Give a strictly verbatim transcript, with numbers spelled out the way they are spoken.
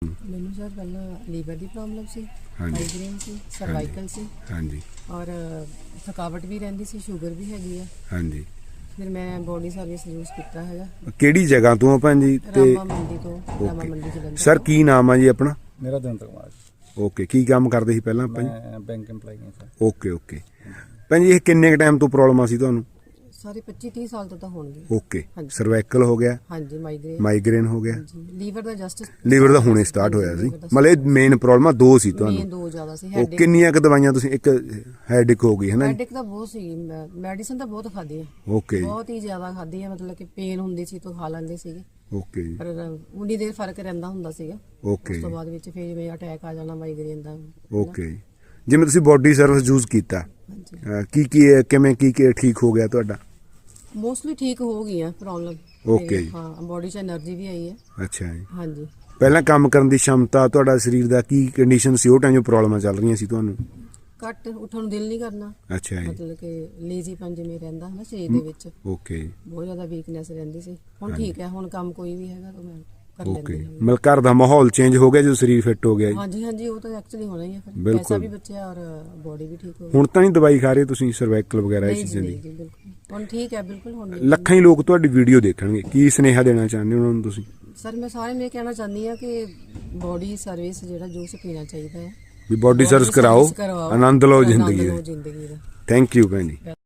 ਮੈਨੂੰ ਸਰ ਪਹਿਲਾਂ ਲੀਵਰ ਦੀ ਪ੍ਰੋਬਲਮ ਸੀ, ਹਾਂਜੀ। ਮਾਈਗ੍ਰੇਨ ਸੀ, ਸਰਵਾਈਕਲ ਸੀ ਹਾਂਜੀ ਔਰ ਥਕਾਵਟ ਵੀ ਰਹਿੰਦੀ ਸੀ, ਸ਼ੂਗਰ ਵੀ ਹੈਗੀ ਆ। ਹਾਂਜੀ। ਫਿਰ ਮੈਂ ਬੋਡੀ ਸਰਵਿਸ ਯੂਜ਼ ਕੀਤਾ ਹੈਗਾ ਕਿਹੜੀ ਜਗ੍ਹਾ ਤੋਂ ਆ ਭੈਣ ਜੀ? ਤੇ ਰਾਮਾ ਮੰਡੀ ਤੋਂ। ਰਾਮਾ ਓਕੇ ਮੰਡੀ ਜਲੰਧਰ ਸਰ, ਤੋਂ। ਕੀ ਨਾਮ ਆ ਜੀ ਆਪਣਾ? ਮੇਰਾ ਦਵਿੰਦਰ ਕੁਮਾਰ ਜੀ। ਓਕੇ, ਕੀ ਕੰਮ ਕਰਦੇ ਸੀ ਪਹਿਲਾਂ ਆਪਾਂ ਜੀ? ਮੈਂ ਬੈਂਕ EMPLOYE ਹਾਂ ਸਰ। ਓਕੇ ਓਕੇ ਭੈਣ ਜੀ, ਇਹ ਕਿੰਨੇ ਕ ਟਾਈਮ ਤੋਂ ਪ੍ਰੋਬਲਮ ਆ ਸੀ ਤੁਹਾਨੂੰ? ਸਾਰੇ ਪੱਚੀ ਤੀਹ ਸਾਲ ਤੋਂ ਤਾਂ ਹੋਣਗੇ। ਓਕੇ, ਹਾਂਜੀ। ਸਰਵਾਈਕਲ ਹੋ ਗਿਆ, ਹਾਂਜੀ, ਮਾਈਗ੍ਰੇਨ ਮਾਈਗ੍ਰੇਨ ਹੋ ਗਿਆ, ਹਾਂਜੀ, ਲੀਵਰ ਦਾ ਜਸਟ ਲੀਵਰ ਦਾ ਹੁਣੇ ਸਟਾਰਟ ਹੋਇਆ ਸੀ। ਮਤਲਬ ਇਹ ਮੇਨ ਪ੍ਰੋਬਲਮ ਦੋ ਸੀ ਮੇਨ ਤੁਹਾਨੂੰ? ਦੋ ਜ਼ਿਆਦਾ ਸੀ। ਉਹ ਹੈਡੇਕ ਕਿੰਨੀਆਂ ਕ ਦਵਾਈਆਂ ਤੁਸੀਂ? ਇੱਕ ਹੈਡੇਕ ਹੋ ਗਈ ਹੈ ਨਾ? ਹੈਡੇਕ ਤਾਂ ਬਹੁਤ ਸੀ, ਮੈਡੀਸਨ ਤਾਂ ਬਹੁਤ ਖਾਧੀ ਆ, ਓਕੇ ਜੀ, ਬਹੁਤ ਹੀ ਜ਼ਿਆਦਾ ਖਾਧੀ ਆ। ਮਤਲਬ ਕਿ ਪੇਨ ਹੁੰਦੀ ਸੀ ਤਾਂ ਖਾ ਲੈਂਦੇ ਸੀਗੇ, ਓਕੇ ਜੀ, ਪਰ ਉਨੀ ਦੇਰ ਫਰਕ ਰਹਿੰਦਾ ਹੁੰਦਾ ਸੀਗਾ। ਓਕੇ ਉਸ ਤੋਂ ਜੀ, ਬਾਅਦ ਵਿੱਚ ਫਿਰ ਜਿਵੇਂ ਅਟੈਕ ਆ ਜਾਣਾ ਮਾਈਗ੍ਰੇਨ ਦਾ। ਓਕੇ ਜੀ। ਜਿਵੇਂ ਤੁਸੀਂ ਬੋਡੀ ਸਰਵਿਸ ਯੂਜ਼ ਕੀਤਾ, ਹਾਂਜੀ, ਅਹ ਕੀ ਕੀ ਕਿਵੇਂ ਕੀ ਕੀ ਠੀਕ ਹੋ ਗਿਆ ਤੁਹਾਡਾ? ਮੋਸਟਲੀ ਠੀਕ ਹੋ ਗਈਆਂ ਪ੍ਰੋਬਲਮ। ਓਕੇ ਜੀ। ਹਾਂ, ਬੋਡੀ 'ਚ એનર્ਜੀ ਵੀ ਆਈ ਹੈ। ਅੱਛਾ ਜੀ। ਹਾਂਜੀ, ਪਹਿਲਾਂ ਕੰਮ ਕਰਨ ਦੀ ਸ਼ਮਤਾ, ਤੁਹਾਡਾ ਸਰੀਰ ਦਾ ਕੀ ਕੰਡੀਸ਼ਨ ਸੀ ਉਹ ਟਾਈਮ ਜੋ ਪ੍ਰੋਬਲਮਾਂ ਚੱਲ ਰਹੀਆਂ ਸੀ ਤੁਹਾਨੂੰ? ਘੱਟ ਉੱਠਣ ਨੂੰ ਦਿਲ ਨਹੀਂ ਕਰਨਾ, ਅੱਛਾ ਜੀ, ਮਤਲਬ ਕਿ ਲੇਜ਼ੀਪਨ ਜਿਵੇਂ ਰਹਿੰਦਾ ਹੈ ਨਾ ਸਰੀਰ ਦੇ ਵਿੱਚ, ਓਕੇ ਜੀ, ਬਹੁਤ ਜ਼ਿਆਦਾ ਵੀਕਨੈਸ ਰਹਿੰਦੀ ਸੀ। ਹੁਣ ਠੀਕ ਹੈ, ਹੁਣ ਕੰਮ ਕੋਈ ਵੀ ਹੈਗਾ ਤਾਂ ਮੈਂ ਕਰ ਓਕੇ। ਲੈਂਦੀ ਹਾਂ। ਮਤਲਬ ਘਰ ਦਾ ਮਾਹੌਲ ਚੇਂਜ ਹੋ ਗਿਆ ਜਦੋਂ ਸਰੀਰ ਫਿੱਟ ਹੋ ਗਿਆ ਜੀ? ਹਾਂਜੀ ਹਾਂਜੀ, ਉਹ ਤਾਂ ਐਕਚੁਅਲੀ ਹੋਣਾ ਹੀ ਹੈ। ਫਿਰ ਬਿਲਕੁਲ। ਪੈਸਾ ਵੀ ਬਚਿਆ ਔਰ ਬੋਡੀ ਵੀ ਠੀਕ ਹੋ ਗਈ। ਹੁਣ ਤਾਂ ਨਹੀਂ ਦਵਾਈ ਖਾ ਰਹੇ ਤੁਸੀਂ ਸਰਵਾਈਕਲ ਵਗੈਰਾ ਇਹ ਨਹੀਂ ਜੀ, ਚੀਜ਼ਾਂ ਨਹੀਂ ਦੀ? ਜੀ, ਬਿਲਕੁਲ ਹੁਣ ਠੀਕ ਹੈ, ਬਿਲਕੁਲ ਹੁਣ ਨਹੀਂ। ਲੱਖਾਂ ਹੀ ਲੋਕ ਤੁਹਾਡੀ ਵੀਡੀਓ ਦੇਖਣਗੇ, ਕੀ ਸੁਨੇਹਾ ਦੇਣਾ ਚਾਹੁੰਦੇ ਹੋ ਉਹਨਾਂ ਨੂੰ ਤੁਸੀਂ? ਸਰ, ਮੈਂ ਸਾਰਿਆਂ ਨੂੰ ਇਹ ਕਹਿਣਾ ਚਾਹੁੰਦੀ ਹਾਂ ਕਿ ਬੋਡੀ ਸਰਵਿਸ ਜਿਹੜਾ ਜੂਸ ਪੀਣਾ ਚਾਹੀਦਾ ਹੈ। ਵੀ ਬੋਡੀ ਸਰਵਿਸ ਕਰਾਓ, ਕਰਵਾਓ, ਆਨੰਦ ਲਓ ਆਨੰਦ ਜ਼ਿੰਦਗੀ ਲਓ ਦਾ। ਜ਼ਿੰਦਗੀ ਦਾ। ਥੈਂਕ ਯੂ ਭੈਣ ਜੀ।